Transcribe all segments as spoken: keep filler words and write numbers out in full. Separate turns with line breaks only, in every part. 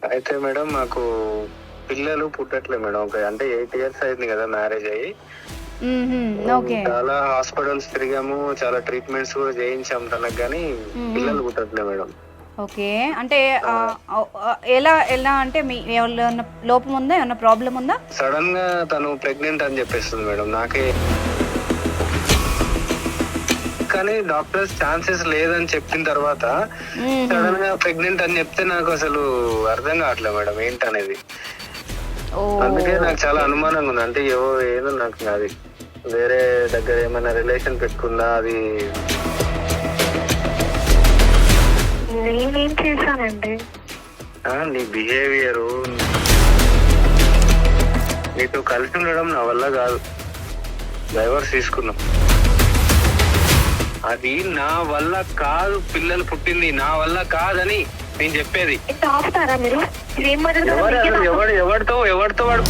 అయితే మేడం మాకు పిల్లలు పుట్టట్లేదు మేడం. ఒక అంటే ఎయిట్ ఇయర్స్ అయింది కదా మ్యారేజ్ అయ్యి.
ఓకే.
చాలా హాస్పిటల్స్ తిరిగాము, చాలా ట్రీట్మెంట్స్ కూడా చేయించాము తనకు, కానీ పిల్లలు పుట్టట్లేదు మేడం.
ఓకే, అంటే ఆ, ఆ, ఎలా ఎలా అంటే మీ ఏమన్నా లోపం ఉందా, ఏమన్నా ప్రాబ్లం ఉందా?
సడన్ గా తను ప్రెగ్నెంట్ అని చెప్పేస్తుంది మేడం నాకే, కానీ డాక్టర్స్ ఛాన్సెస్ లేదని చెప్పిన తర్వాత సడన్ గా ప్రెగ్నెంట్ అని చెప్తే నాకు అసలు అర్థం కావట్లేదు మేడం ఏంటనేది. అందుకే నాకు చాలా అనుమానంగా ఉంది. అంటే ఏవో ఏదో నాకు అది వేరే దగ్గర ఏమైనా రిలేషన్ పెట్టుకుందా అది.
నేనేం చేశానండి?
నీ బిహేవియర్, నీతో కలిసి ఉండడం నా వల్ల కాదు. డైవర్స్ తీసుకున్నాం, అది నా వల్ల కాదు. పిల్లలు పుట్టింది నా వల్ల కాదని నేను చెప్పేది.
ఆపుతారా మీరు?
ఎవడు ఎవరితో ఎవరితో వాడు.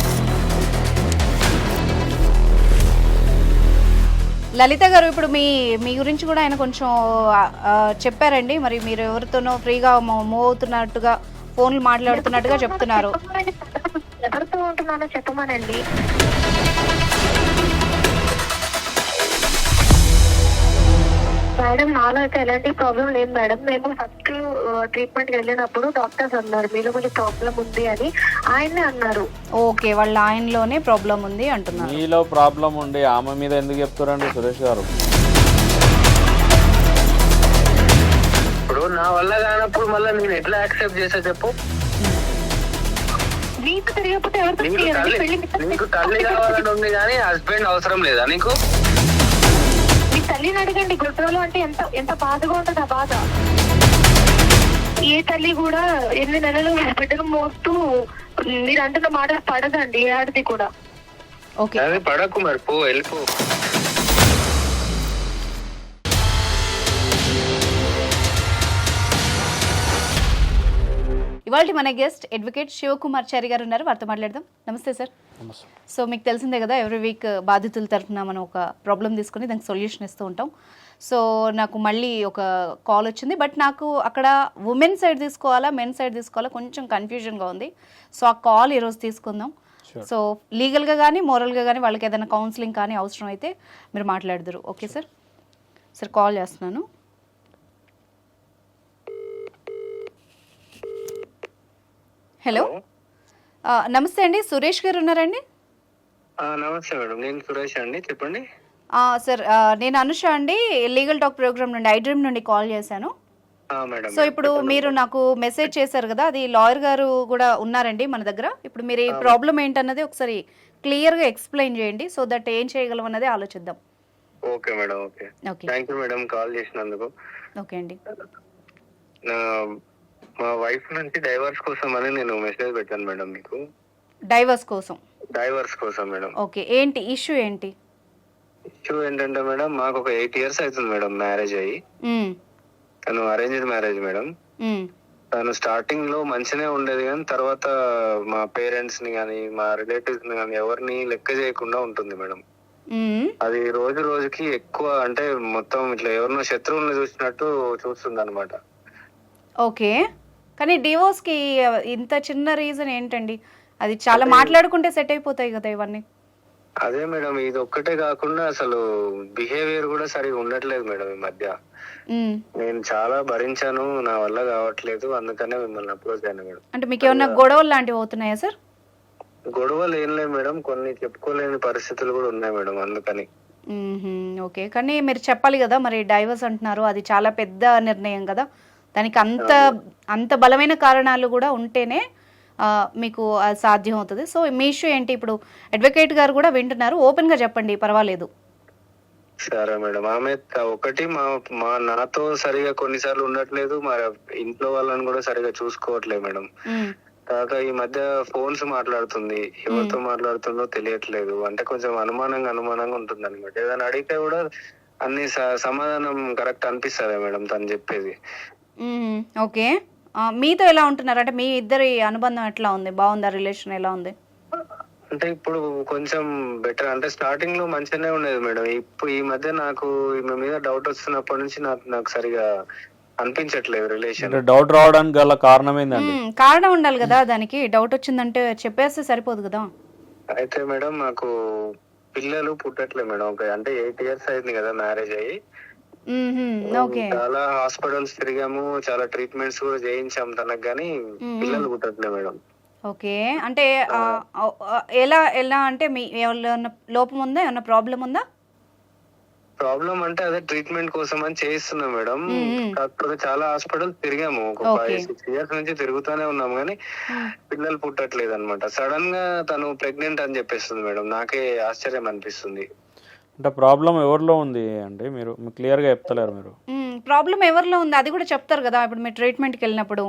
లలిత గారు, ఇప్పుడు మీ మీ గురించి కూడా ఆయన కొంచెం చెప్పారండి. మరి మీరు ఎవరితోనో ఫ్రీగా మూవ్ అవుతున్నట్టుగా, ఫోన్లు మాట్లాడుతున్నట్టుగా చెప్తున్నారు.
ఎవరితో ఉంటున్నానో చెప్పమనండి. మేడం, నాలో అయితే ఎలాంటి ప్రాబ్లం లేదు మేడం. మేము ఫస్ట్ ట్రీట్మెంట్ వెళ్ళినప్పుడు డాక్టర్స్ అన్నారు మీలో కొంచెం ప్రాబ్లం ఉంది అని, ఆయనే అన్నారు.
ఓకే, వాళ్ళ ఆయనలోనే ప్రాబ్లం ఉంది అంటున్నారు.
మీలో ప్రాబ్లం ఉండి ఆమె మీద ఎందుకు చెప్తారండి సురేష్ గారు?
ఇప్పుడు నా వల్ల కానప్పుడు మళ్ళీ నేను ఎట్లా యాక్సెప్ట్ చేసా చెప్పు?
నీకు తెలియకపోతే ఎవరితో?
నీకు తల్లి కావాలని ఉంది కానీ హస్బెండ్ అవసరం లేదా నీకు?
మీ తల్లిని అడగండి. గుడ్డలు అంటే ఎంత ఎంత బాధగా ఉంటుంది ఆ బాధ. ఏ తల్లి కూడా ఎనిమిది నెలలు బిడ్డను మోస్తూ మీరు అంటున్న మాట పడదండి, ఏ ఆడది కూడా.
ఓకే, పడకు మరి, పో వెళ్ళిపో.
ఇవాళ మన గెస్ట్ అడ్వకేట్ శివకుమార్ చారి గారు ఉన్నారు, వారితో మాట్లాడదాం. నమస్తే సార్. సో మీకు తెలిసిందే కదా, ఎవ్రీ వీక్ బాధితుల తరఫున మనం ఒక ప్రాబ్లం తీసుకుని దానికి సొల్యూషన్ ఇస్తూ ఉంటాం. సో నాకు మళ్ళీ ఒక కాల్ వచ్చింది, బట్ నాకు అక్కడ ఉమెన్ సైడ్ తీసుకోవాలా మెన్ సైడ్ తీసుకోవాలా కొంచెం కన్ఫ్యూజన్గా ఉంది. సో ఆ కాల్ ఈరోజు తీసుకుందాం. సో లీగల్గా కానీ మోరల్గా కానీ వాళ్ళకి ఏదైనా కౌన్సిలింగ్ కానీ అవసరం అయితే మీరు మాట్లాడదురు. Okay sir. సార్ కాల్ చేస్తున్నాను. హలో, నమస్తే అండి. సురేష్ గారు ఉన్నారండి?
నమస్తే మేడం, నేను సురేష్ అండి, చెప్పండి.
సార్, నేను అనుష అండి, లీగల్ టాక్ ప్రోగ్రామ్ నుండి, ఐ డ్రీమ్ నుండి కాల్ చేశాను. సో ఇప్పుడు మీరు నాకు మెసేజ్ చేశారు కదా, అది లాయర్ గారు కూడా ఉన్నారండి మన దగ్గర. ఇప్పుడు మీరు ఈ ప్రాబ్లం ఏంటన్నది ఒకసారి క్లియర్గా ఎక్స్ప్లెయిన్ చేయండి, సో దట్ ఏం చేయగలం అన్నది ఆలోచిద్దాం.
Okay madam. Okay, thank you madam call చేసినందుకు.
ఓకే అండి.
మా వైఫ్ నుంచి డైవర్స్ కోసం అని నేను మెసేజ్ పెట్టాను మేడం మీకు.
డైవర్స్ కోసం?
డైవర్స్ కోసం మేడం.
ఓకే, ఏంటి ఇష్యూ? ఏంటి
ఇష్యూ ఏంటంటే మేడం, మాకు ఒక ఎయిట్ ఇయర్స్ అవుతుంది మేడం మ్యారేజ్ అయ్యి. తను అరేంజ్డ్ మ్యారేజ్ మేడం. తను స్టార్టింగ్ లో మంచినే ఉండేది, కానీ తర్వాత మా పేరెంట్స్ ని కానీ మా రిలేటివ్స్ ని కానీ ఎవరిని లెక్క చేయకుండా ఉంటుంది మేడం. అది రోజు రోజుకి ఎక్కువ, అంటే మొత్తం ఇట్లా ఎవరినో శత్రువులను చూసినట్టు చూస్తుంది అనమాట.
ఓకే, కానీ డివోర్స్ కి ఇంత చిన్న రీజన్ ఏంటండి? అది చాలా మాట్లాడుకుంటే సెట్ అయిపోతాయి కదా ఇవన్నీ.
అదే మేడం, ఇది ఒక్కటే కాకుండా అసలు బిహేవియర్ కూడా సరిగా ఉండట్లేదు మేడం ఈ మధ్య. నేను చాలా భరించాను, నా వల్ల కావట్లేదు, అందుకనే మిమ్మల్ని అప్రోచ్ అయ్యాను మేడం.
అంటే మీకు ఏమన్నా గొడవలు లాంటివి అవుతున్నాయా సార్?
గొడవలు ఏం లేదు మేడం, కొన్ని చెప్పుకోలేని పరిస్థితులు కూడా ఉన్నాయి మేడం, అందుకని.
ఓకే, కానీ మీరు చెప్పాలి కదా, మరి డైవర్స్ అంటున్నారు, అది చాలా పెద్ద నిర్ణయం కదా, దానికి అంత అంత బలమైన కారణాలు కూడా ఉంటేనే మీకు సాధ్యం అవుతుంది. సో మీ ఇష్యూ ఏంటి? ఇప్పుడు అడ్వకేట్ గారు కూడా వింటున్నారు, ఓపెన్ గా చెప్పండి, పర్వాలేదు.
సరే మేడం. ఆమె ఒకటి మా మా నాతో సరిగా కొన్నిసార్లు ఉండట్లేదు, మా ఇంట్లో వాళ్ళని కూడా సరిగా చూసుకోవట్లేదు మేడం. తర్వాత ఈ మధ్య ఫోన్స్ మాట్లాడుతుంది, ఎవరితో మాట్లాడుతుందో తెలియట్లేదు. అంటే కొంచెం అనుమానంగా అనుమానంగా ఉంటుంది అనమాట. ఏదైనా అడిగితే కూడా అన్ని సమాధానం కరెక్ట్ అనిపిస్తుంది మేడం తను చెప్పేది.
ఓకే, మీతో ఎలా ఉంటున్నారు? అంటే మీ ఇద్దరి అనుబంధం ఎట్లా ఉంది? బాగుందా? రిలేషన్ ఎలా ఉంది?
అంటే ఇప్పుడు కొంచెం బెటర్. అంటే స్టార్టింగ్ లో మంచిగానే ఉండేది మేడం. ఇప్పుడు ఈ మధ్య నాకు ఈమె మీద డౌట్ వస్తున్నప్పటి నుంచి నాకు నాకు సరిగా అనిపించట్లేదు రిలేషన్.
అంటే డౌట్ రావడానికి గల కారణం ఏందండి?
మ్మ్. కారణం ఉండాలి కదా దానికి. డౌట్ వచ్చిందంటే చెప్పేస్తే సరిపోదు కదా.
అయితే మేడం మాకు పిల్లలు పుట్టట్లేదు మేడం. ఒక అంటే ఎయిట్ ఇయర్స్ అయింది కదా మ్యారేజ్ అయ్యి.
మ్మ్హ్మ్. ఓకే.
చాలా హాస్పిటల్స్ తిరిగాము, చాలా ట్రీట్మెంట్స్ కూడా చేయించాము తనకు, కానీ పిల్లలు పుట్టట్లేదు మేడం.
ఓకే. అంటే ఆ, ఆ, ఎలా ఎలా అంటే మీ ఏమన్నా లోపం ఉందా, ఏమన్నా ప్రాబ్లం ఉందా?
ప్రాబ్లం అంటే అదే ట్రీట్మెంట్ కోసం అని చేయిస్తున్నాం మేడం. కాకపోతే చాలా హాస్పిటల్ తిరిగాము, ఒక ఫైవ్ సిక్స్ ఇయర్స్ నుంచి తిరుగుతూనే ఉన్నాం, కానీ పిల్లలు పుట్టట్లేదు అనమాట. సడన్ గా తను ప్రెగ్నెంట్ అని చెప్పేస్తుంది మేడం. నాకే ఆశ్చర్యం అనిపిస్తుంది.
అంటే ప్రాబ్లం ఎవరిలో ఉంది అండి? మీరు క్లియర్ గా చెప్తలేరు మీరు.
ప్రాబ్లం ఎవరిలో ఉంది అది కూడా చెప్తారు కదా ఇప్పుడు మీరు ట్రీట్మెంట్కి వెళ్ళినప్పుడు.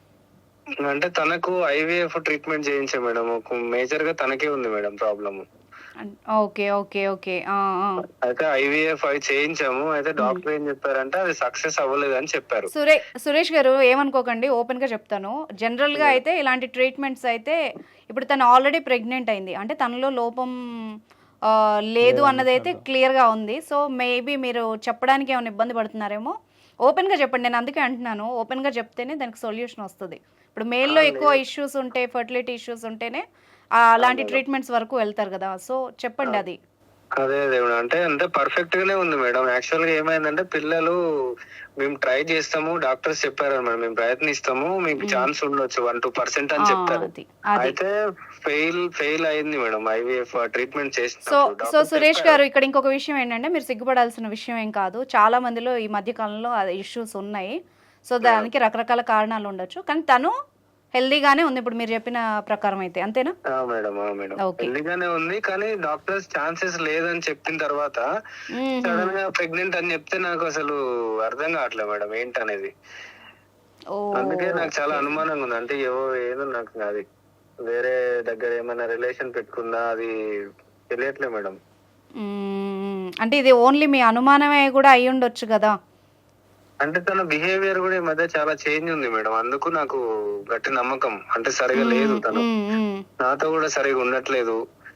అంటే తనకు ఐవీఎఫ్ ట్రీట్మెంట్ చేయించాం మేడం. మేజర్ గా తనకే ఉంది madam problem.
Okay okay okay.
అయితే ఐవీఎఫ్ అవి చేయించాము. అయితే డాక్టర్ ఏం చెప్పారంటే అది సక్సెస్ అవ్వలేదు అని చెప్పారు.
సురే సురేష్ గారు ఏమనుకోకండి, ఓపెన్ గా చెప్తాను. జనరల్ గా అయితే ఇలాంటి ట్రీట్మెంట్స్ అయితే ఇప్పుడు తను ఆల్రెడీ ప్రెగ్నెంట్ అయింది అంటే తనలో లోపం ఆ, లేదు అన్నది అయితే క్లియర్ గా ఉంది. సో మేబీ మీరు చెప్పడానికి ఏమైనా ఇబ్బంది పడుతున్నారేమో. ఓపెన్ గా చెప్పండి, నేను అందుకే అంటున్నాను ఓపెన్ గా చెప్తేనే దానికి సొల్యూషన్ వస్తుంది. ఇప్పుడు మేల్లో ఎక్కువ ఇష్యూస్ ఉంటే, ఫర్టిలిటీ ఇష్యూస్ ఉంటేనే అలాంటి ట్రీట్మెంట్స్ వరకు వెళ్తారు కదా. సో చెప్పండి అది.
అదే అదే మేడం. అంటే అంటే పర్ఫెక్ట్ గానే ఉంది మేడం. యాక్చువల్ గా ఏమైందంటే పిల్లలు మేము ట్రై చేస్తాము, డాక్టర్స్ చెప్పారు మేడం, మేము ప్రయత్నిస్తాము, మీకు ఛాన్స్ ఉండొచ్చు వన్ టూ పర్సెంట్ అని చెప్తారు. అయితే ఫెయిల్ ఫెయిల్ అయింది మేడం ఐవీఎఫ్ ట్రీట్మెంట్ చేసిన.
సో సో సురేష్ గారు ఇక్కడ ఇంకొక విషయం ఏంటంటే మీరు సిగ్గుపడాల్సిన విషయం ఏం కాదు. చాలా మందిలో ఈ మధ్య కాలంలో ఇష్యూస్ ఉన్నాయి. సో దానికి రకరకాల కారణాలు ఉండొచ్చు, కానీ తను హెల్దీగానే ఉంది ఇప్పుడు మీరు చెప్పిన ప్రకారం అయితే, అంతేనా?
మేడం మేడం హెల్దీగానే ఉంది, కానీ డాక్టర్స్ ఛాన్సెస్ లేదని చెప్పిన తర్వాత సడన్ గా ప్రెగ్నెంట్ అని చెప్తే నాకు అసలు అర్థం కావట్లేదు మేడం ఏంటనేది. అందుకే నాకు చాలా అనుమానంగా ఉంది. అంటే ఏవో ఏదో నాకు అది వేరే దగ్గర ఏమైనా రిలేషన్ పెట్టుకుందా అది తెలియట్లేదు మేడం.
అంటే ఇది ఓన్లీ మీ అనుమానమే కూడా అయి ఉండొచ్చు కదా.
అంటే తన బిహేవియర్ కూడా ఈ మధ్య చాలా చేంజ్ ఉంది మేడం. అందుకు నాకు గట్టి నమ్మకం. అంటే సరిగా లేదు, తను నాతో కూడా సరిగా ఉండట్లేదు,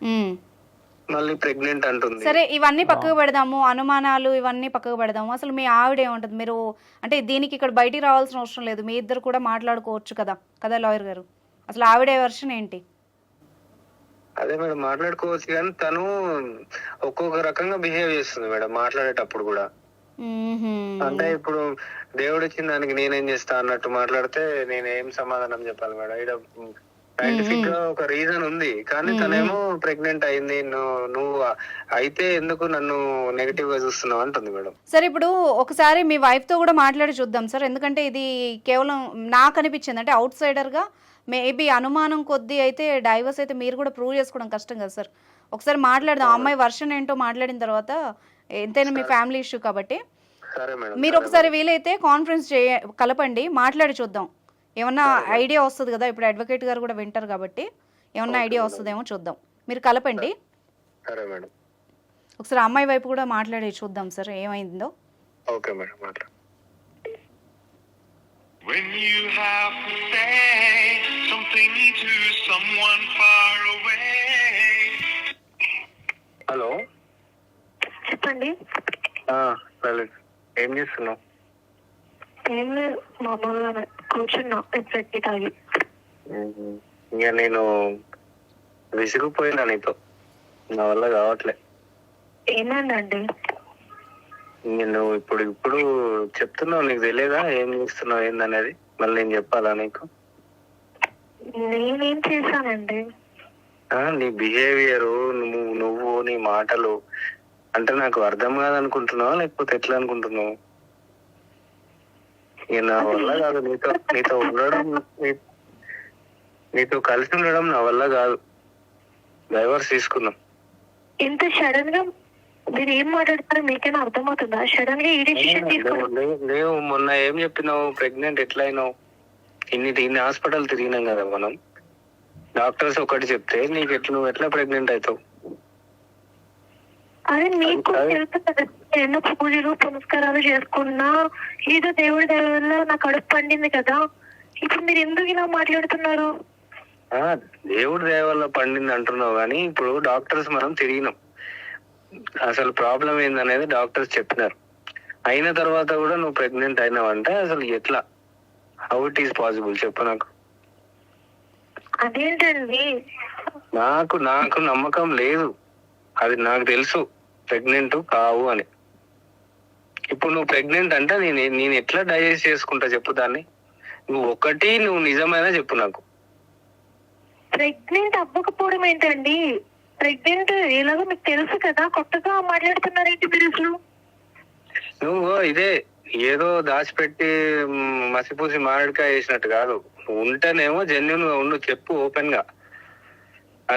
మళ్ళీ ప్రెగ్నెంట్ అంటుంది.
సరే ఇవన్నీ పక్కకు పెడదాము, అనుమానాలు ఇవన్నీ పక్కకు పెడదాము. అసలు మీ ఆవిడ ఏమంటుంది? మీరు అంటే దీనికి ఇక్కడ బయటికి రావాల్సిన అవసరం లేదు, మీ ఇద్దరు కూడా మాట్లాడుకోవచ్చు కదా కదా లాయర్ గారు. అసలు ఆవిడ వర్షన్ ఏంటి?
అదే మేడం మాట్లాడుకోవచ్చు, కానీ తను ఒక్కొక్క రకంగా బిహేవ్ చేస్తుంది మేడం మాట్లాడేటప్పుడు కూడా. అంటే ఇప్పుడు దేవుడు ఇచ్చిన దానికి నేనేం చేస్తా అన్నట్టు మాట్లాడితే నేనేం సమాధానం చెప్పాలి మేడం? ఇక్కడ సైంటిఫిక్ గా ఒక రీజన్ ఉంది, కానీ తనేమో ప్రెగ్నెంట్ అయింది, నువ్వు అయితే ఎందుకు నన్ను నెగటివ్ గా చూస్తున్నావు అంటుంది మేడం.
సార్ ఇప్పుడు ఒకసారి మీ వైఫ్ తో కూడా మాట్లాడి చూద్దాం సార్, ఎందుకంటే ఇది కేవలం నాకు అనిపించింది అంటే అవుట్ సైడర్ గా మేబీ అనుమానం కొద్దీ అయితే డైవర్స్ అయితే మీరు కూడా ప్రూవ్ చేసుకోవడం కష్టం కదా సార్. ఒకసారి మాట్లాడదాం, అమ్మాయి వర్షన్ ఏంటో మాట్లాడిన తర్వాత, ఎంతైనా మీ ఫ్యామిలీ ఇష్యూ కాబట్టి మీరు ఒకసారి వీలైతే కాన్ఫరెన్స్ చేయ కలపండి, మాట్లాడి చూద్దాం. ఏమన్నా ఐడియా వస్తుంది కదా, ఇప్పుడు అడ్వకేట్ గారు కూడా వింటారు కాబట్టి ఏమన్నా ఐడియా వస్తుందేమో చూద్దాం. మీరు కలపండి ఒకసారి, అమ్మాయి వైపు కూడా మాట్లాడి చూద్దాం సార్ ఏమైందో.
ఓకే మేడం మాట్లాడు.
When you have to say something to someone far away.
Hello
చెప్పండి.
ఏం చేస్తున్నావు?
ఏం లేదు, మామూలుగా కూర్చున్నా పెట్టి తాగి.
ఇక నేను విసిగిపోయినా నీతో, నా వల్ల కావట్లే.
ఏమైందండి?
నేను ఇప్పుడు ఇప్పుడు చెప్తున్నావు, నీకు తెలియదా ఏం చేస్తున్నావు ఏందనేది? మళ్ళీ నేను చెప్పాలా నీకు?
నేనేం చేశానండి?
నీ బిహేవియర్, నువ్వు నువ్వు నీ మాటలు అంటే నాకు అర్థం కాదనుకుంటున్నావా లేకపోతే ఎట్లా అనుకుంటున్నావు? ఇక నా వల్ల కాదు నీతో నీతో ఉండడం, నీతో కలిసి ఉండడం నా వల్ల కాదు. డైవర్స్ తీసుకున్నాం.
ఇంత సడన్ గా మీరు ఏం మాట్లాడతారో మీకైనా అర్థమవుతుందా? సడన్ గా ఈ డిసిషన్ తీసుకున్నాను.
లేవు, మొన్న ఏం చెప్పినావు? ప్రెగ్నెంట్ ఎట్లా అయినావు? ఇన్ని ఇన్ని హాస్పిటల్ తిరిగినాం కదా మనం. డాక్టర్స్ ఒకటి చెప్తే నీకు ఎట్లా, నువ్వు ఎట్లా ప్రెగ్నెంట్ అవుతావు?
అదే మీకు ఎన్నో పూజలు పునస్కారాలు చేసుకున్నా ఏదో దేవుడి దయ వల్ల నా కడుపు పండింది కదా. ఇప్పుడు మీరు ఎందుకు ఇలా మాట్లాడుతున్నారు?
దేవుడి దయ వల్ల పండింది అంటున్నావు, కానీ ఇప్పుడు డాక్టర్స్ మనం తిరిగినాం, అసలు ప్రాబ్లం ఏందనేది డాక్టర్స్ చెప్పినారు. అయిన తర్వాత కూడా నువ్వు ప్రెగ్నెంట్ అయినావంటే అసలు ఎట్లా, హౌ ఇట్ ఈస్ పాసిబుల్ చెప్పు నాకు.
అదేంటండి?
నాకు నాకు నమ్మకం లేదు, అది నాకు తెలుసు ప్రెగ్నెంట్ కావు అని. ఇప్పుడు నువ్వు ప్రెగ్నెంట్ అంటే నేను నేను ఎట్లా డైజెస్ట్ చేసుకుంటా చెప్పు దాన్ని. నువ్వు ఒకటి నువ్వు నిజమైనా చెప్పు నాకు.
ప్రెగ్నెంట్ అవ్వకపోవడం ఏంటండి? ప్రెగ్నెంట్ ఎలాగో మీకు తెలుసు కదా, కొత్తగా మాట్లాడుతున్నారేంటి మీరు అసలు?
నువ్వు ఇదే ఏదో దాచిపెట్టి మ్, మసిపూసి మామిడికాయ వేసినట్టు కాదు. నువ్వు ఉంటేనేమో జెన్యున్ గా ఉండు, చెప్పు ఓపెన్ గా.